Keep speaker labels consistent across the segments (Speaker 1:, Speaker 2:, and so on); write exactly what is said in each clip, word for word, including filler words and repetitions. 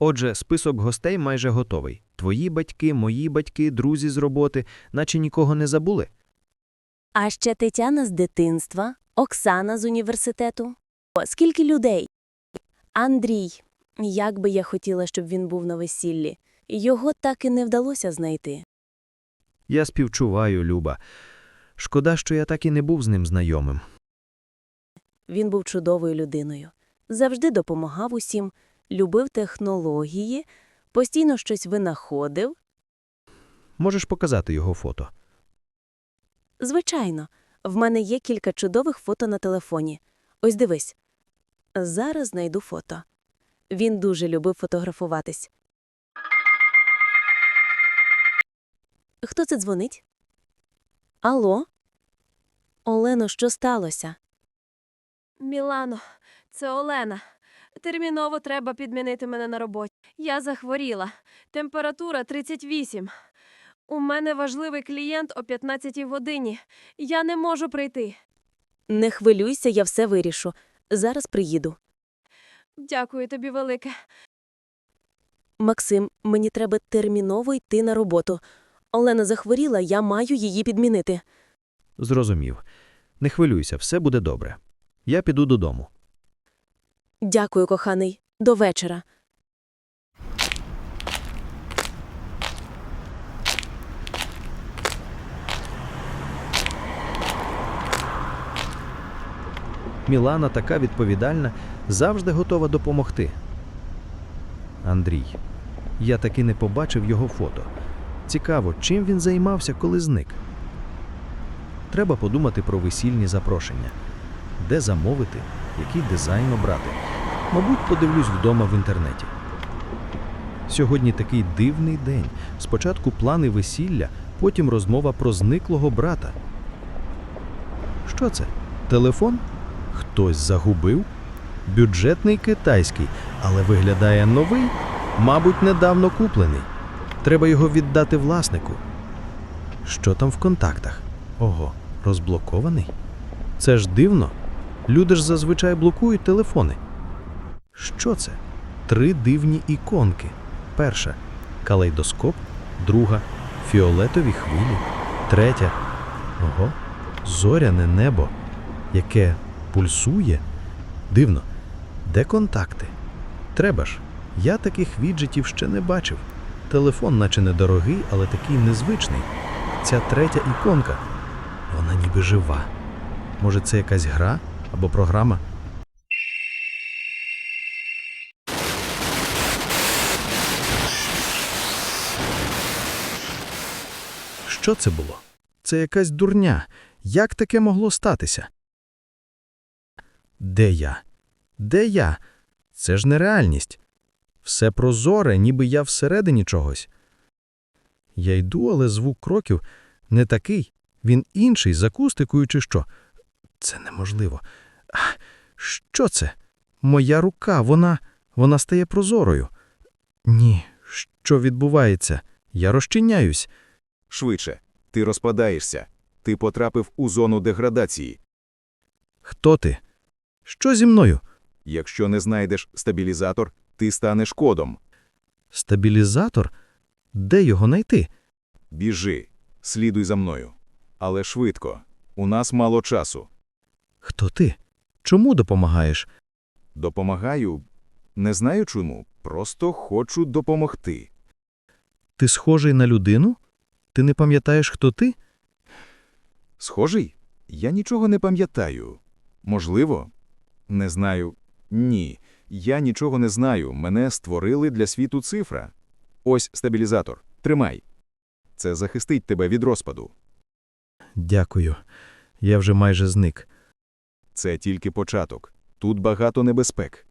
Speaker 1: Отже, список гостей майже готовий. Твої батьки, мої батьки, друзі з роботи, наче нікого не забули.
Speaker 2: А ще Тетяна з дитинства, Оксана з університету. О, скільки людей? Андрій. Як би я хотіла, щоб він був на весіллі. Його так і не вдалося знайти.
Speaker 1: Я співчуваю, Люба. Шкода, що я так і не був з ним знайомим.
Speaker 2: Він був чудовою людиною. Завжди допомагав усім, любив технології, постійно щось винаходив.
Speaker 1: Можеш показати його фото?
Speaker 2: Звичайно, в мене є кілька чудових фото на телефоні. Ось дивись. Зараз знайду фото. Він дуже любив фотографуватись. Хто це дзвонить? Алло? Олено, що сталося?
Speaker 3: Мілано, це Олена. Терміново треба підмінити мене на роботі. Я захворіла. Температура тридцять вісім. У мене важливий клієнт о п'ятнадцятій годині. Я не можу прийти.
Speaker 2: Не хвилюйся, я все вирішу. Зараз приїду.
Speaker 3: Дякую тобі велике.
Speaker 2: Максим, мені треба терміново йти на роботу. Олена захворіла, я маю її підмінити.
Speaker 1: Зрозумів. Не хвилюйся, все буде добре. Я піду додому.
Speaker 2: Дякую, коханий. До вечора.
Speaker 1: Мілана така відповідальна, завжди готова допомогти. Андрій. Я таки не побачив його фото. Цікаво, чим він займався, коли зник. Треба подумати про весільні запрошення. Де замовити, який дизайн обрати. Мабуть, подивлюсь вдома в інтернеті. Сьогодні такий дивний день. Спочатку плани весілля, потім розмова про зниклого брата. Що це? Телефон? Хтось загубив? Бюджетний китайський, але виглядає новий, мабуть, недавно куплений. Треба його віддати власнику. Що там в контактах? Ого, розблокований? Це ж дивно. Люди ж зазвичай блокують телефони. Що це? Три дивні іконки. Перша – калейдоскоп, друга – фіолетові хвилі, третя – ого, зоряне небо, яке пульсує. Дивно. Де контакти? Треба ж. Я таких віджитів ще не бачив. Телефон наче недорогий, але такий незвичний. Ця третя іконка, вона ніби жива. Може, це якась гра або програма? Що це було? Це якась дурня. Як таке могло статися? Де я? Де я? Це ж нереальність. Все прозоре, ніби я всередині чогось. Я йду, але звук кроків не такий. Він інший, з акустикою чи що. Це неможливо. А, що це? Моя рука, вона, вона стає прозорою. Ні, що відбувається? Я розчиняюсь.
Speaker 4: Швидше. Ти розпадаєшся. Ти потрапив у зону деградації.
Speaker 1: Хто ти? Що зі мною?
Speaker 4: Якщо не знайдеш стабілізатор, ти станеш кодом.
Speaker 1: Стабілізатор? Де його знайти?
Speaker 4: Біжи. Слідуй за мною. Але швидко. У нас мало часу.
Speaker 1: Хто ти? Чому допомагаєш?
Speaker 4: Допомагаю? Не знаю чому. Просто хочу допомогти.
Speaker 1: Ти схожий на людину? Ти не пам'ятаєш, хто ти?
Speaker 4: Схожий? Я нічого не пам'ятаю. Можливо? Не знаю. Ні. Я нічого не знаю. Мене створили для світу цифра. Ось стабілізатор. Тримай. Це захистить тебе від розпаду.
Speaker 1: Дякую. Я вже майже зник.
Speaker 4: Це тільки початок. Тут багато небезпек.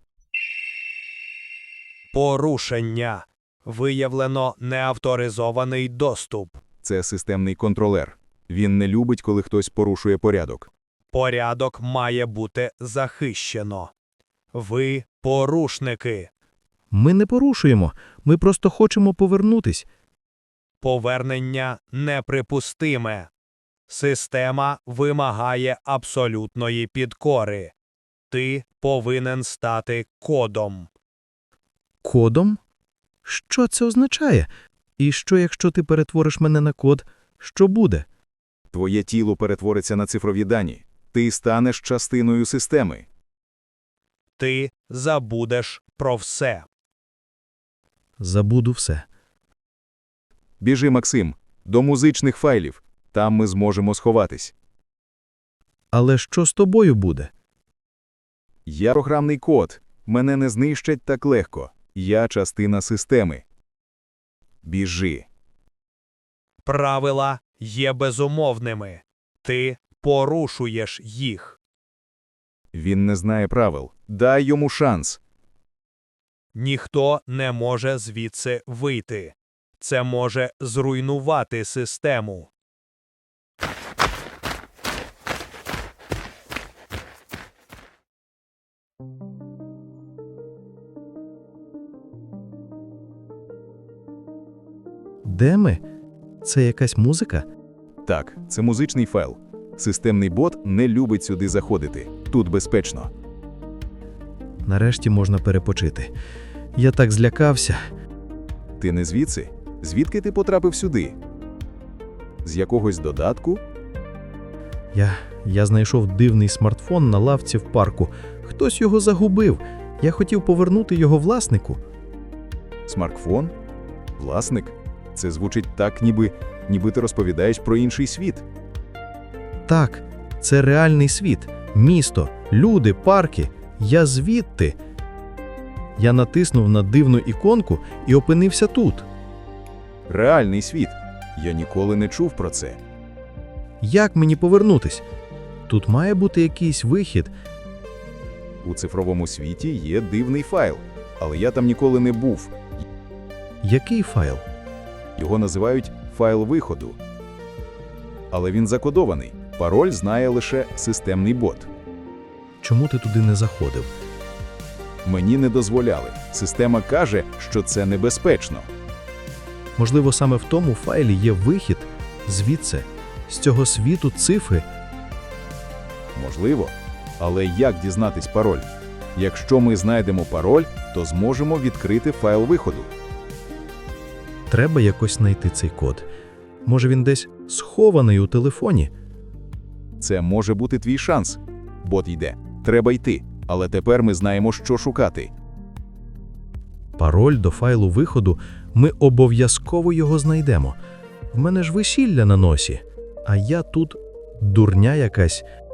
Speaker 5: Порушення. Виявлено неавторизований доступ.
Speaker 4: Це системний контролер. Він не любить, коли хтось порушує порядок.
Speaker 5: Порядок має бути захищено. Ви – порушники.
Speaker 1: Ми не порушуємо. Ми просто хочемо повернутись.
Speaker 5: Повернення неприпустиме. Система вимагає абсолютної підкори. Ти повинен стати кодом.
Speaker 1: Кодом? Що це означає? І що, якщо ти перетвориш мене на код? Що буде?
Speaker 4: Твоє тіло перетвориться на цифрові дані. Ти станеш частиною системи.
Speaker 5: Ти забудеш про все.
Speaker 1: Забуду все.
Speaker 4: Біжи, Максим, до музичних файлів. Там ми зможемо сховатись.
Speaker 1: Але що з тобою буде?
Speaker 4: Я програмний код. Мене не знищать так легко. Я частина системи. Біжи.
Speaker 5: Правила є безумовними. Ти порушуєш їх.
Speaker 4: Він не знає правил. Дай йому шанс.
Speaker 5: Ніхто не може звідси вийти. Це може зруйнувати систему.
Speaker 1: Де ми? Це якась музика?
Speaker 4: Так, це музичний файл. Системний бот не любить сюди заходити. Тут безпечно.
Speaker 1: Нарешті можна перепочити. Я так злякався.
Speaker 4: Ти не звідси? Звідки ти потрапив сюди? З якогось додатку?
Speaker 1: Я, я знайшов дивний смартфон на лавці в парку. Хтось його загубив. Я хотів повернути його власнику.
Speaker 4: Смартфон? Власник? Це звучить так, ніби, ніби ти розповідаєш про інший світ.
Speaker 1: Так, це реальний світ. Місто, люди, парки. Я звідти. Я натиснув на дивну іконку і опинився тут.
Speaker 4: Реальний світ. Я ніколи не чув про це.
Speaker 1: Як мені повернутись? Тут має бути якийсь вихід.
Speaker 4: У цифровому світі є дивний файл, але я там ніколи не був.
Speaker 1: Який файл?
Speaker 4: Його називають файл виходу. Але він закодований. Пароль знає лише системний бот.
Speaker 1: Чому ти туди не заходив?
Speaker 4: Мені не дозволяли. Система каже, що це небезпечно.
Speaker 1: Можливо, саме в тому файлі є вихід звідси, з цього світу цифри.
Speaker 4: Можливо. Але як дізнатись пароль? Якщо ми знайдемо пароль, то зможемо відкрити файл виходу.
Speaker 1: Треба якось знайти цей код. Може, він десь схований у телефоні?
Speaker 4: Це може бути твій шанс. Бот йде. Треба йти. Але тепер ми знаємо, що шукати.
Speaker 1: Пароль до файлу виходу, ми обов'язково його знайдемо. В мене ж весілля на носі, а я тут дурня якась.